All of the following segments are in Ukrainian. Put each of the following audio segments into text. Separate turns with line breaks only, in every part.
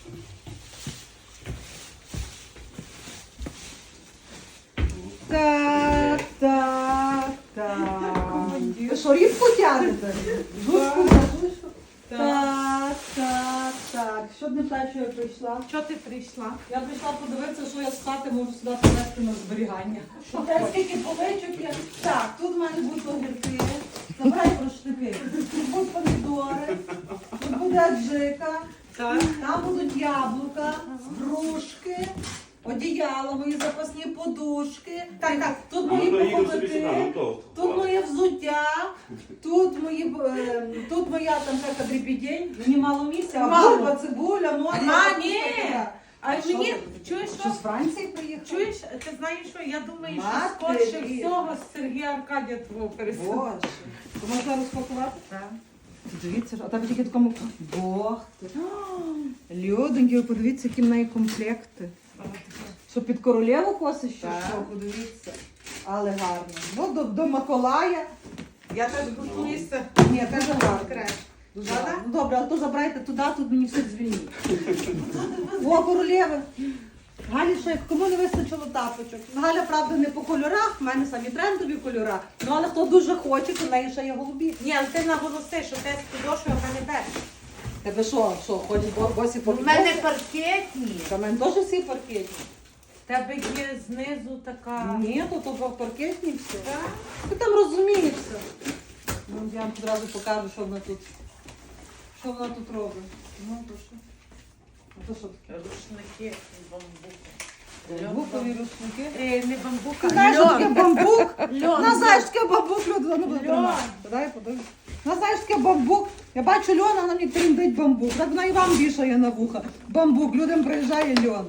Так. Ви що, рібку тягнете? Жучку. Так. Що не та, що я прийшла?
Що ти прийшла?
Я прийшла подивитися, що я з хати можу сюди принести на зберігання. Те, скільки поличок є. Так, тут в мене будуть огірки. Забирай рушники. Тут будуть помідори, тут буде аджика,
Так.
там будуть яблука, грушки, одіяла, мої запасні подушки. Так, тут мої пуховики, тут моє взуття, тут моя там така дрібідень, мені мало місця, а бульба, цибуля, моря.
Ні. А мені, чуєш,
Що з Франції приїхав?
чуєш, ти знаєш що, я думаю, що
Мати
скорше
рід.
всього з Сергія Аркадія твого переселення.
Боже, то можна розпакувати?
Так.
Дивіться, а там тільки такому. Бог ти. Людоньки, ви подивіться, які в неї комплекти. Що під королеву косиш, що?
Так.
Що, подивіться. Але гарно. Ну, до Миколая.
Я теж готуюся.
Ні, теж гарно.
Краще.
Дуже гарно. Ну добре, а то забирайте туди, тут мені все звільніть. О, королеви. Галі, що як кому не вистачило тапочок. Галя, правда, не по кольорах, в мене самі трендові кольори. Ну, але хто дуже хоче, то в неї ще є голубі.
Ні, але ти наголоси, що ти з підошвою в мене без.
Тебе що, ходять босі по
У мене паркетні.
Та в мене теж всі паркетні.
В тебе є знизу така.
Ні, то паркетні все.
Так?
Ти там розумієшся. Ну, я вам одразу покажу, що вона тут. Що вона тут робить. Ну, то що? А то що таке?
Рушники з бамбуку.
Бамбукові рушники.
Не бамбук,
Ти
а
знаєш, що таке
льон.
бамбук?
Льон.
На, знаєш, таке бамбук, люди, ну буде
Льон.
тримати. Дай подивись. На, знаєш, таке бамбук. Я бачу льон, а вона мені тріндить бамбук. Так вона і вам вішає на вуха. Бамбук, людям приїжджає льон.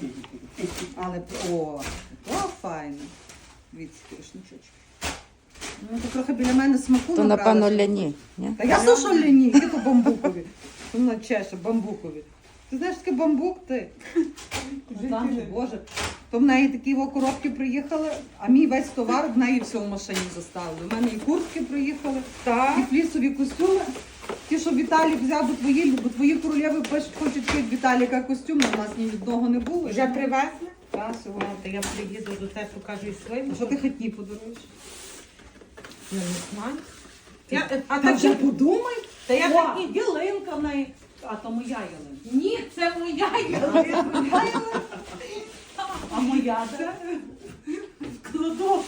Але, о файно. Дивіться, рушничочки. Ну, то трохи біля мене смаку
То,
набрала.
напевно, ляні. Ні?
Та я слушаю ляні, які то бамбукові. Вона чеше, бамбукові. Ти знаєш, таке бамбук ти? Ну, там же, Боже. То в неї такі коробки приїхали, а мій весь товар в неї все в машині заставили. У мене і куртки приїхали, і флісові костюми. Ті, що Віталік взяв, бо твої королеви пишуть, хочуть від Віталіка костюм, у нас ні одного не було.
Вже привезли?
Так, сьогодні.
Та я приїду до тебе, покажу і своїм.
А що ти хотні подаруєш?
Я не знаю.
А ти вже подумай.
Та я
О,
хотні.
ялинка в неї. А то моя ялинка.
Ні, це моя ялинка.
А моя де?
Кладу.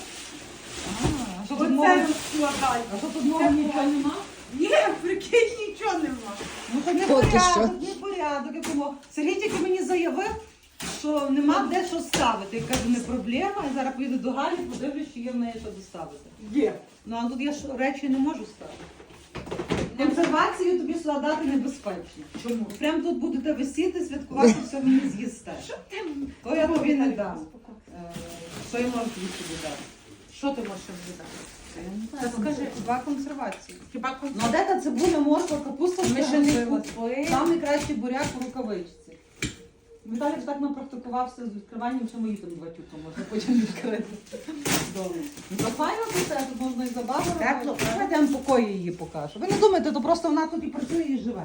А що тут
Оце
нового?
розкладай.
А що тут нового нічого нема?
Ні, прикинь, нічого нема.
Ну то не
Поки
порядок, не порядок. Я думала, Сергій тільки мені заявив, що нема де що ставити. Я кажу, не проблема. Я зараз поїду до Галі, подивлюсь, чи є в неї що доставити.
Є.
Ну а тут я ж речі не можу ставити. Консервацію тобі сюди дати небезпечно.
Чому?
Прям тут будете висіти, святкувати, все мені з'їсте. То я тобі не дам. Що я можу тобі собі дати?
Що ти можеш віддати?
Я не
Та
знаю,
скажи.
два консервації.
Хіба
Ну а де та цибуля, морква, капуста?
Ми ще не купили.
Там найкращий буряк у рукавичці. Віталій ж так напрактикувався з відкриванням, що мої там два тюка можна потім відкрити. Добре. Ну, то файно тут, тут можна і забаву
Тепло.
робити. Давайте я вам покої її покажу. Ви не думайте, то просто вона тут і працює, і живе.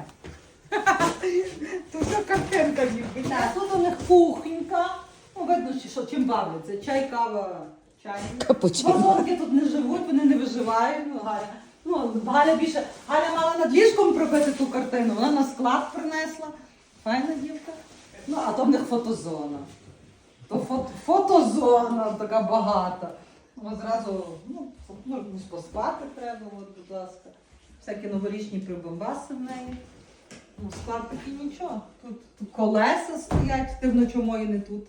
Тут все картинка ніби.
Так, тут у них кухонька. Ну, видно, що чим бавляться. Чай, кава, чай.
Капучино.
Вазонки тут не живуть, вони не виживають. Ну, Галя. Ну, Галя більше. Галя мала над ліжком пробити ту картину, вона на склад принесла. Файна дівка. Ну, а то в них фотозона. То фотозона така багата. Ну, зразу, ну, поспати треба, от, будь ласка. Всякі новорічні прибамбаси в неї. Ну, склад такий нічого. Тут колеса стоять, ти вночі мої не тут.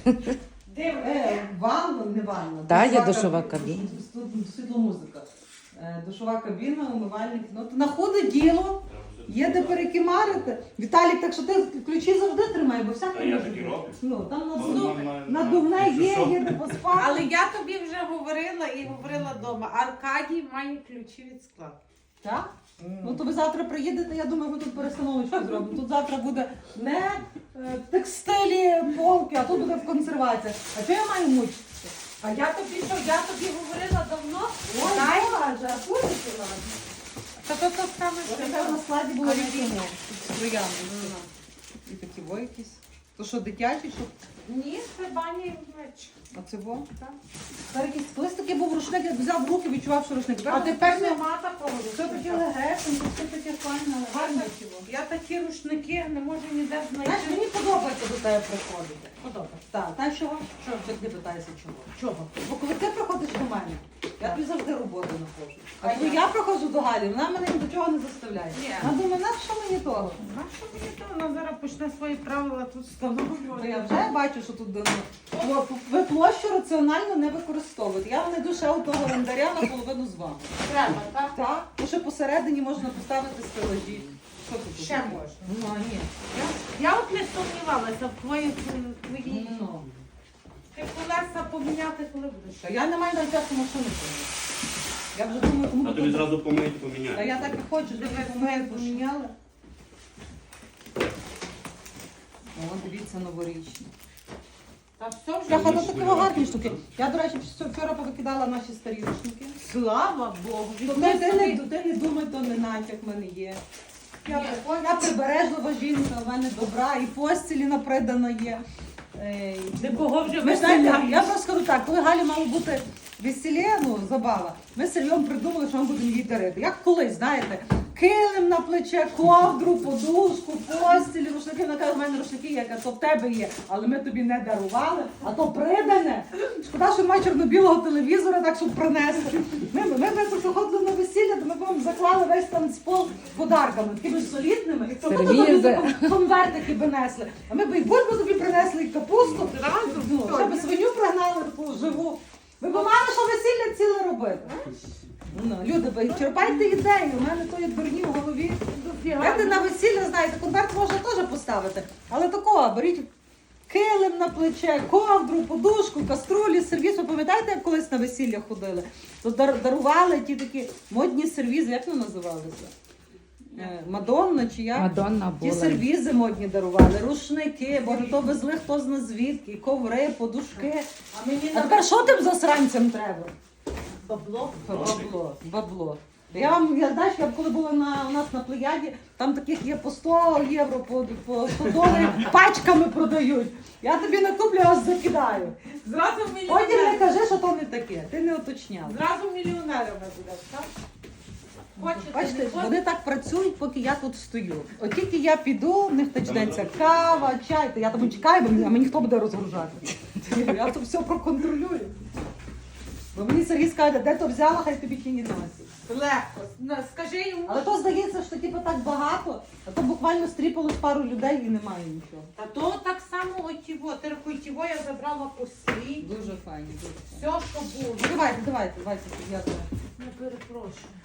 Ванна, не ванна.
Так, є душова кабіна.
Тут світломузика. Душова кабіна, умивальник. Ну, то на ходу діло. Є де перекимарити. Віталік, так що ти ключі завжди тримай, бо всяке.
Та я
може
так і
бути.
роблю.
Ну, там
Нормально.
надувне є де поспати.
Але я тобі вже говорила і говорила вдома. Аркадій має ключі від складу.
Так? Ну то ви завтра приїдете, я думаю, ми тут перестановочку зробимо. Тут завтра буде не текстилі, полки, а тут буде в консервації. А що я маю мучитися?
А я тобі що? Я тобі говорила давно.
Ой,
Дай.
Боже, а курити надо.
Та то саме
Ось
що.
яка на складі була
А
рідина. З троянди. І такі во якісь. То що, дитячі, що?
Ні, це баня і меч.
А це во?
Так.
Тепер якийсь, колись такий був рушник, я взяв в руки, відчував, що рушник.
А тепер нема такого.
Все таке легесеньке, все таке файне, гарне чого.
Я такі рушники не можу ніде
Знаєш,
знайти.
мені подобається до тебе приходити.
Подобається.
Так, знаєш чого? Що ти питаєшся чого?
Чого?
Бо коли ти приходиш до мене, я тобі завжди роботу знаходжу. А
А
коли
я?
я приходжу до Галі, вона мене ні до чого не заставляє.
Ні.
Вона думає, на що мені того?
А що мені то? Вона зараз почне свої правила тут
Бо
встановлювати.
я вже бачу, що тут давно. Ви площу раціонально не використовуєте. Я не душе у того рендаря наполовину з вами.
Треба, так?
Так, тому що посередині можна поставити стелажі. Що тут?
Ще можна.
Ну, а ні.
Я от не сумнівалася в твоїй.
Ну.
Ти колеса поміняти, коли будеш?
Та я не маю навіть часу машину поміняти. Я вже думаю, кому
А тобі зразу помити, поміняти.
Та я так і хочу, щоб ви поміняли. О, дивіться, новорічні.
Та все вже.
Я хата такі гарні штуки. Я, до речі, вчора повикидала наші старі рушники.
Слава Богу.
Тобто ти не думай, то не натяк в мене є. Я прибережлива жінка, в мене добра, і постілі напридана є.
Ти кого вже
Ми знаєте, я
виселяєш?
просто скажу так, коли Галі мало бути весілля, ну, забава, ми з Сергієм придумали, що ми будемо їй дарити. Як колись, знаєте, килим на плече, ковдру, подушку, постілі, рушники. Вона каже, в мене рушники є, я кажу, то в тебе є, але ми тобі не дарували, а то придане. Шкода, що немає чорно-білого телевізора, так щоб принесли. Ми приходили на весілля, то ми вам заклали весь танцпол подарками, такими солідними. І
Сервізи.
Конвертики би несли. А ми б і бульбу тобі принесли, і капусту.
Зразу?
Ну, ще би свиню пригнали таку живу. Ви б мали, що весілля ціле робити. Ну, люди, ви черпайте ідею, у мене тої дурні в голові. Знаєте, на весілля, знаєте, конверт можна теж поставити. Але такого, беріть килим на плече, ковдру, подушку, каструлі, сервіз. Ви пам'ятаєте, як колись на весілля ходили? То дарували ті такі модні сервізи, як вони називалися? Мадонна чи як?
Мадонна
Ті
була.
сервізи модні дарували, рушники, бо то везли хто зна звідки, коври, подушки.
А мені
А тепер що тим засранцям треба?
бабло.
Бабло. Я знаєш, я коли була у нас на Плеяді, там таких є по 100 євро, по 100 доларів, пачками продають. Я тобі не куплю, а закидаю.
Зразу
Потім не
мільйонерами.
кажи, що то не таке, ти не уточняв.
Зразу мільйонерами будеш, так? Хочете,
Бачите,
не хочете?
вони так працюють, поки я тут стою. От тільки я піду, в них почнеться кава, чай, то я там чекаю, а мені хто буде розгружати? Я тут все проконтролюю. Бо мені Сергій скаже, де то взяла, хай тобі тіні носить.
Легко. Скажи йому.
Але то здається, що типу так багато, а то буквально стріпалось пару людей і немає нічого.
Та то так само отіво. Ти рахуй, тіво я забрала по свій.
Дуже файні, дуже файні.
Все, що було.
Давайте, зв'язуємо.
Не перепрошую.